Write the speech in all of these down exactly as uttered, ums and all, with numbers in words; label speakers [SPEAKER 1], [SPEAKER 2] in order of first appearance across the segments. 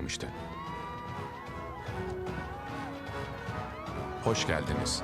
[SPEAKER 1] başlamıştı. Hoş geldiniz.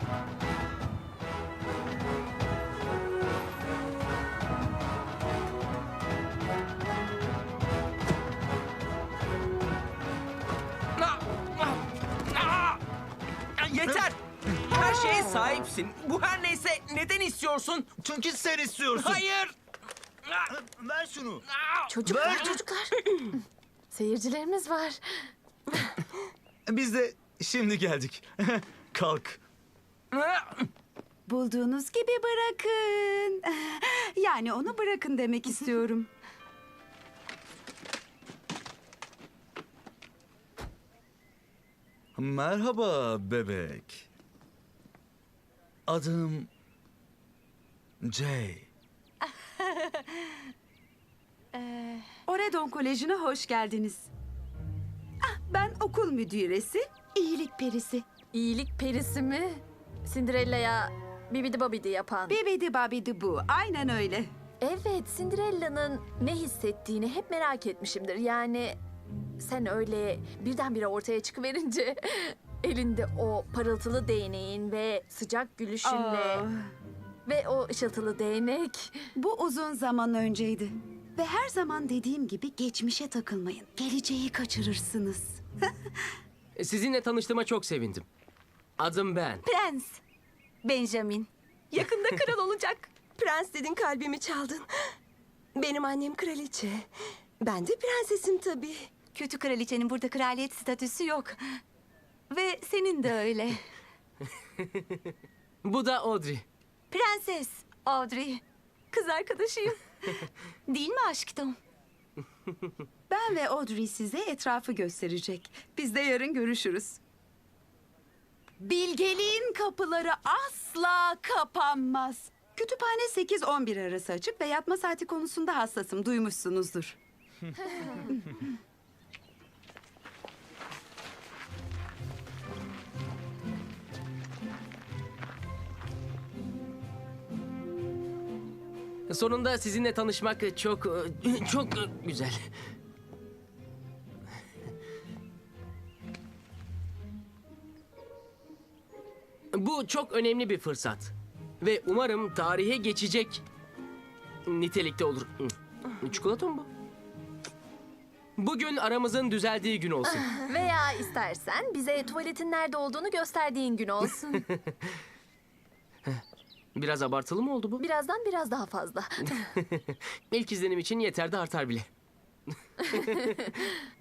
[SPEAKER 2] Yeter! Her şeye sahipsin. Bu her neyse neden istiyorsun?
[SPEAKER 3] Çünkü sen istiyorsun.
[SPEAKER 2] Hayır!
[SPEAKER 3] Ver şunu.
[SPEAKER 4] Çocuklar, çocuklar. Seyircilerimiz var.
[SPEAKER 3] Biz de şimdi geldik. Kalk.
[SPEAKER 5] Bulduğunuz gibi bırakın. Yani onu bırakın demek istiyorum.
[SPEAKER 3] Merhaba bebek. Adım Jay.
[SPEAKER 5] Oredon Koleji'ne hoş geldiniz. Ah, ben okul müdüresi, iyilik perisi.
[SPEAKER 4] İyilik perisi mi? Cinderella'ya bibidi babidi yapan.
[SPEAKER 5] Bibidi babidi bu, aynen öyle.
[SPEAKER 4] Evet, Cinderella'nın ne hissettiğini hep merak etmişimdir. Yani sen öyle birdenbire ortaya çıkıverince elinde o parıltılı değneğin ve sıcak gülüşünle
[SPEAKER 5] Aa,
[SPEAKER 4] ve o ışıltılı değnek.
[SPEAKER 5] bu uzun zaman önceydi. Ve her zaman dediğim gibi geçmişe takılmayın. Geleceği kaçırırsınız.
[SPEAKER 2] Sizinle tanıştığıma çok sevindim. Adım Ben.
[SPEAKER 6] Prens. Benjamin. Yakında kral olacak. Prens dedin kalbimi çaldın. Benim annem kraliçe. Ben de prensesim tabii. Kötü kraliçenin burada kraliyet statüsü yok. Ve senin de öyle.
[SPEAKER 2] Bu da Audrey.
[SPEAKER 6] Prenses Audrey. Kız arkadaşıyım. Değil mi aşkım?
[SPEAKER 5] Ben ve Audrey size etrafı gösterecek. Biz de yarın görüşürüz. Bilgeliğin kapıları asla kapanmaz. Kütüphane sekiz on bir arası açık ve yatma saati konusunda hassasım. Duymuşsunuzdur.
[SPEAKER 2] Sonunda sizinle tanışmak çok, çok güzel. Bu çok önemli bir fırsat. Ve umarım tarihe geçecek nitelikte olur. Çikolata mı bu? Bugün aramızın düzeldiği gün olsun.
[SPEAKER 4] Veya istersen bize tuvaletin nerede olduğunu gösterdiğin gün olsun.
[SPEAKER 2] Biraz abartılı mı oldu bu?
[SPEAKER 4] Birazdan biraz daha fazla.
[SPEAKER 2] İlk izlenim için yeter de artar bile.